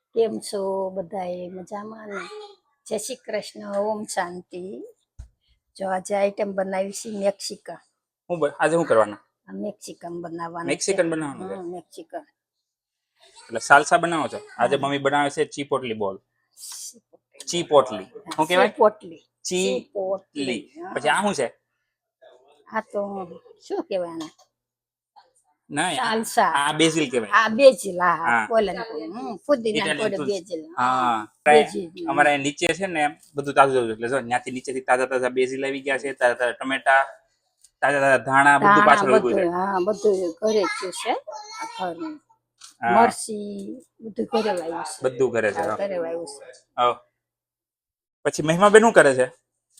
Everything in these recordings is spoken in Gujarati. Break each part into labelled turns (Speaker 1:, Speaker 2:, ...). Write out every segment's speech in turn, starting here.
Speaker 1: કેમ છો બધાએ મજામાં ને? જય શ્રી કૃષ્ણ, ઓમ શાંતિ. જો આજે આઈટમ બનાવી છે મેક્સિકન.
Speaker 2: આજે શું કરવાના?
Speaker 1: મેક્સિકન બનાવવાનું છે.
Speaker 2: મેક્સિકન બનાવવાનું છે.
Speaker 1: મેક્સિકન
Speaker 2: એટલે સાલસા બનાવો છો? આજે મમ્મી બનાવે છે ચીપોટલી બોલ. ચીપોટલી શું કહેવાય?
Speaker 1: પોટલી.
Speaker 2: ચીપોટલી. પછી આ શું છે?
Speaker 1: આ તો શું કહેવાય આને?
Speaker 2: ના,
Speaker 1: સાલસા.
Speaker 2: આ બેઝિલ કહેવાય.
Speaker 1: આ બેજીલ. હા
Speaker 2: હા.
Speaker 1: પોલેન્ડ. પુદીના
Speaker 2: ઇટાલિયન
Speaker 1: કોડ
Speaker 2: ટૂલ્સ.
Speaker 1: બેજીલ.
Speaker 2: હા. અમારે નીચે છે ને બધું તાજું તાજું, એટલે જો ત્યાંથી નીચેથી તાજા તાજા બેઝિલ આવી ગયા છે, તાજા તાજા ટમેટા, તાજા તાજા ધાણા, બધું પાછળ ઉભું છે.
Speaker 1: હા, બધું ઘરે જ છે. આ ઘરનું. મરસી બધું ઘરે વાવ્યું છે.
Speaker 2: બધું ઘરે છે.
Speaker 1: ઘરે વાવ્યું છે.
Speaker 2: પછી મહિમા બેન શું કરે છે?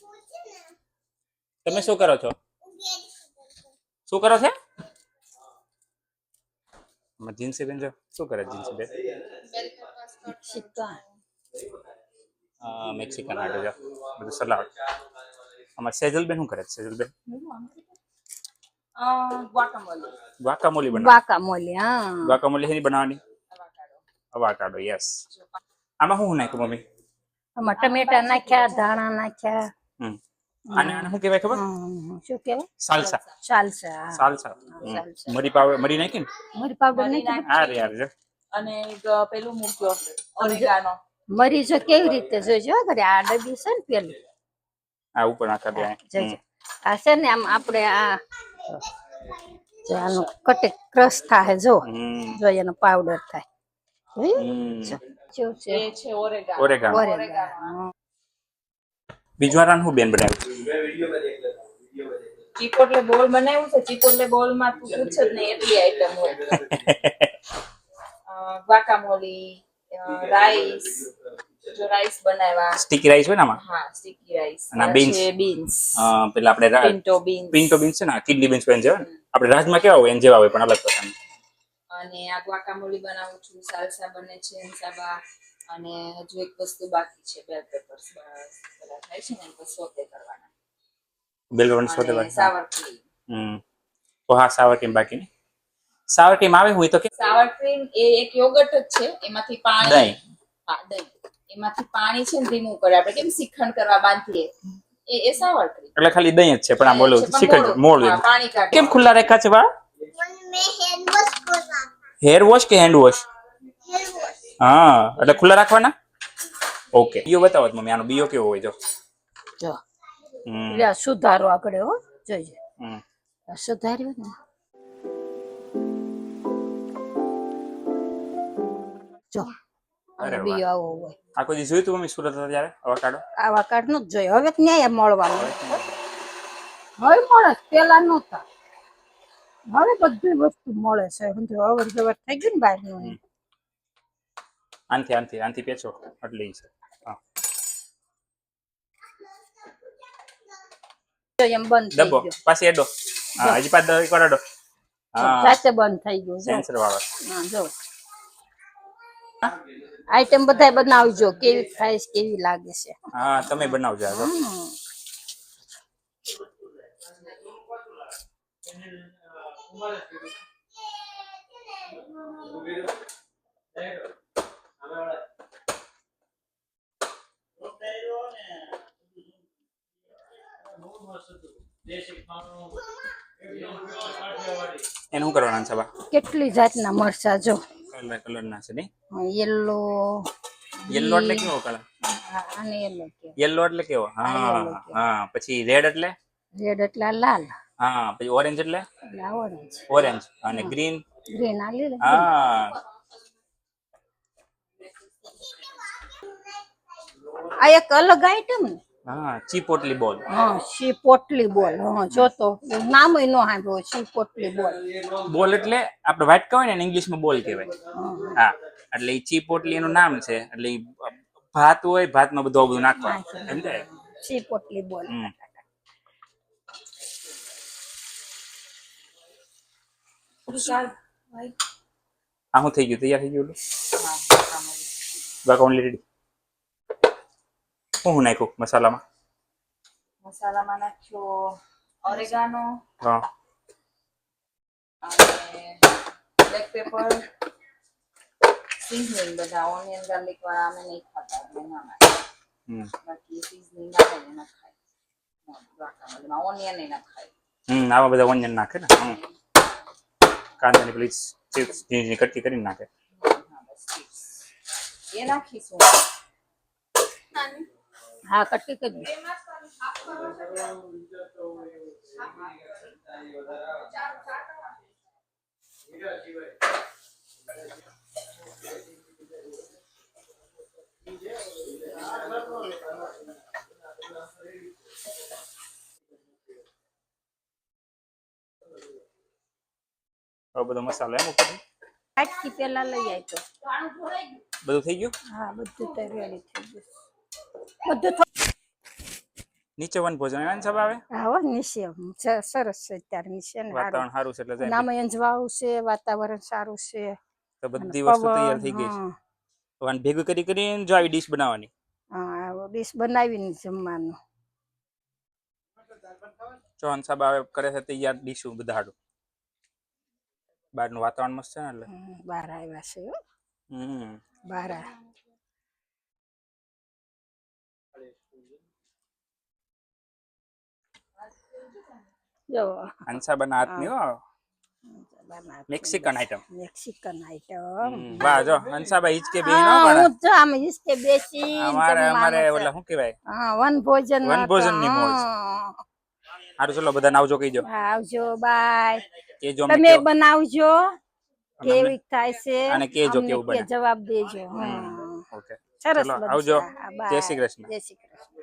Speaker 2: તમે શું કરો છો? શું કરો છો? જીન્સી બેન જો શું કરે? જીન્સી બેન મેક્સિકન આટો જો બધું સલાડ. અમારે સેજલ બેન શું કરે છે? સેજલ બેન ગ્વાકામોલી બનાવે.
Speaker 1: વાકામોલી. હા,
Speaker 2: ગ્વાકામોલી એની બનાવવાની. અવાકાડો. યસ. આમાં શું નાખ્યું મમ્મી?
Speaker 1: આમાં ટમેટા નાખ્યા, ધાણા નાખ્યા.
Speaker 2: આને શું કહેવાય ખબર?
Speaker 1: શું કહેવાય?
Speaker 2: સાલસા.
Speaker 1: સાલસા.
Speaker 2: સાલસા. મરી પાવડર, મરી નાખી ને?
Speaker 1: મરી પાવડર નાખી.
Speaker 2: અરે યાર જો.
Speaker 3: અને પેલું મૂક્યો ઓરેગાનો.
Speaker 1: મરી જો કેવી રીતે જોઈજો ઘરે આ ડબ્બી છે ને પેલી.
Speaker 2: આ ઉપર નાખા દે.
Speaker 1: જોજો. આ છે ને આમ આપણે આ આનું કટે ક્રશ થાય જો. જો એનો પાવડર થાય. જોયું?
Speaker 3: એ છે ઓરેગાનો.
Speaker 2: ઓરેગાનો. બીજું રાન હું બેન બનાવ્યું?
Speaker 3: ચીપોટલે બોલ બનાવ્યું છે. ચીપોટલે બોલ માં તું પૂછ જ નહીં એટલી આઈટમ હોય. ગ્વાકામોલી, રાઈસ, જો રાઈસ બનાવ્યા.
Speaker 2: સ્ટીકી રાઈસ હોય ને આમાં?
Speaker 3: હા, સ્ટીકી રાઈસ.
Speaker 2: અને બીન્સ. પેલા આપણે પિન્ટો બીન્સ છે ને, કિડની બીન્સ પણ છે ને. આપણે રાજમાં કેવા હોય એન જેવા હોય પણ અલગ પ્રકારના.
Speaker 3: અને આ ગ્વાકામોલી બનાવું છું. સાલસા બને છે સાબા. અને હજુ એક વસ્તુ બાકી છે, બેલ પેપર્સ પેલા થાય છે ને એ સોતે કરવાના.
Speaker 2: બેલ પેપર્સ સોતે કરવાના.
Speaker 3: Sour cream.
Speaker 2: તો હા, સાવર ક્રીમ બાકી ને. સાવર ક્રીમ આવે હોય તો કે
Speaker 3: સાવર ક્રીમ એ એક યોગર્ટ જ છે. એમાંથી પાણી.
Speaker 2: દહીં.
Speaker 3: હા, દહીં. એમાંથી પાણી છે ને રિમૂવ કરે. આપણે કેમ શ્રીખંડ કરવા બાંધીએ એ સાવર ક્રીમ.
Speaker 2: એટલે ખાલી દહીં જ છે પણ આ બોલો શ્રીખંડ મોળ
Speaker 3: પાણી કાઢે.
Speaker 2: કેમ ખુલ્લા રાખ્યા છે બા? હેર વોશ કે હેન્ડ વોશ? હા, એટલે ખુલ્લા રાખવાના. ઓકે. બીયો બતાવો મમ્મી, આનો બીયો કેવો હોય જો.
Speaker 1: જો સુધારો આગળ હો જોઈજો. સુધાર્યો ને જો. અને બીયો આવો હોય.
Speaker 2: આ કોઈ જોયું તું મમ્મી સુરત હતા ત્યારે અવાકાડો?
Speaker 1: અવાકાડો નું જ જોયું. હવે ન્યાય મળવાનું. હવે મળે, પેલા નહોતા. હવે બધી વસ્તુ મળે છે. અવર જવર થઈ ગયું ને બહાર નું.
Speaker 2: આનથી પેચો એટલે છે.
Speaker 1: એમ બંધ થઈ
Speaker 2: ડબ્બો
Speaker 1: ગયો.
Speaker 2: પાછી એડો. હા, હજી પાછો એક વાર એડો. હા,
Speaker 1: જાતે બંધ થઈ ગયું.
Speaker 2: સેન્સર વાળો.
Speaker 1: હા, જો આઈટમ બધાય બનાવજો. કેવી થાય છે, કેવી લાગે છે.
Speaker 2: હા, તમે બનાવજો આ. એને શું કરવાના છે બા?
Speaker 1: કેટલી જાતના મરચા જો.
Speaker 2: કલર ના છે નહીં?
Speaker 1: યેલો.
Speaker 2: યેલો એટલે કેવો કલર?
Speaker 1: આને યેલો કે.
Speaker 2: યેલો એટલે કેવો? હા હા. પછી રેડ એટલે?
Speaker 1: રેડ એટલે લાલ.
Speaker 2: હા. પછી ઓરેન્જ એટલે?
Speaker 1: ઓરેન્જ.
Speaker 2: ઓરેન્જ. અને ગ્રીન?
Speaker 1: ગ્રીન આ લીલો.
Speaker 2: હા.
Speaker 1: આ એક અલગ આઈટમ ને.
Speaker 2: હા, ચીપોટલી બોલ.
Speaker 1: હા, ચીપોટલી બોલ. હા, જો તો નામ ય નો સાંભળ્યો. ચીપોટલી બોલ.
Speaker 2: બોલ એટલે આપણે વ્હાઈટ કહેવાય ને ઇંગ્લિશમાં બોલ કહેવાય. હા, એટલે એ ચીપોટલી એનું નામ છે. એટલે ભાત હોય, ભાતમાં બધું નાખવાનું સમજાય?
Speaker 1: ચીપોટલી બોલ.
Speaker 2: આ શું થઈ ગયું? તૈયાર થઈ ગયું? Guacamole ready. શું નાખ્યું મસાલામાં?
Speaker 3: મસાલામાં નાખ્યો ઓરેગાનો.
Speaker 2: હા.
Speaker 3: અને બ્લેક પેપર, સિઝનિંગ બધા ઓનિયન ગાર્લિક વાળા અમે નહીં ખાતા એટલે ના નાખીએ. બાકી સિઝનિંગ આવે ને ના ખાય guacamole ઓનિયન ના ખાય.
Speaker 2: આમાં બધા ઓનિયન નાખે ને કાંદાની પેલી ચિપ્સ ઝીણી કટકી કરીને નાખે.
Speaker 3: હા બસ chips. એ નાખીશું.
Speaker 1: હા કટકી કરી
Speaker 2: હવે બધો મસાલો એમ ઉપર
Speaker 1: કાટકી પેલા લઈ આવી તો
Speaker 2: બધું થઈ ગયું.
Speaker 1: હા બધું તો રેડી થઈ ગયું બધું
Speaker 2: નીચે વન ભોજન એમ સબ આવે.
Speaker 1: હા હો નીચે સરસ છે અત્યારે નીચે ને
Speaker 2: વાતાવરણ સારું છે એટલે જાય.
Speaker 1: નામે અંજવાળું છે વાતાવરણ સારું છે
Speaker 2: તો બધી વસ્તુ તૈયાર થઈ ગઈ છે. તો આને ભેગું કરીને જો આવી ડીશ બનાવવાની.
Speaker 1: હા ડીશ બનાવીને જમવાનું
Speaker 2: ચોહન સાહેબ આવે કરે છે તૈયાર ડીશું બધા હાડું. બહારનું વાતાવરણ મસ્ત છે ને એટલે
Speaker 1: બહાર આવ્યા છે હો. બહાર જો
Speaker 2: હંસાબાના હાથની હો મેક્સિકન આઈટમ.
Speaker 1: મેક્સિકન આઈટમ
Speaker 2: વાહ જો હંસાબા હિચકે બેહી ન
Speaker 1: હું
Speaker 2: પણ
Speaker 1: તો આમ હિચકે બેસી
Speaker 2: અમારે ઓલા શું કહેવાય
Speaker 1: હા વનભોજન
Speaker 2: વનભોજનની મોજ. હારું ચલો બધાને આવજો કહીજો.
Speaker 1: આવજો બાય
Speaker 2: કેજો
Speaker 1: તમે બનાવજો કેવી થાય છે
Speaker 2: અને કેજો
Speaker 1: અમને
Speaker 2: કેવું બને.
Speaker 1: જવાબ દેજો
Speaker 2: ઓકે
Speaker 1: સરસ
Speaker 2: ચલો
Speaker 1: બનશે.
Speaker 2: આવજો.
Speaker 1: હા, bye.
Speaker 2: જય શ્રી કૃષ્ણ.
Speaker 1: જય શ્રી કૃષ્ણ.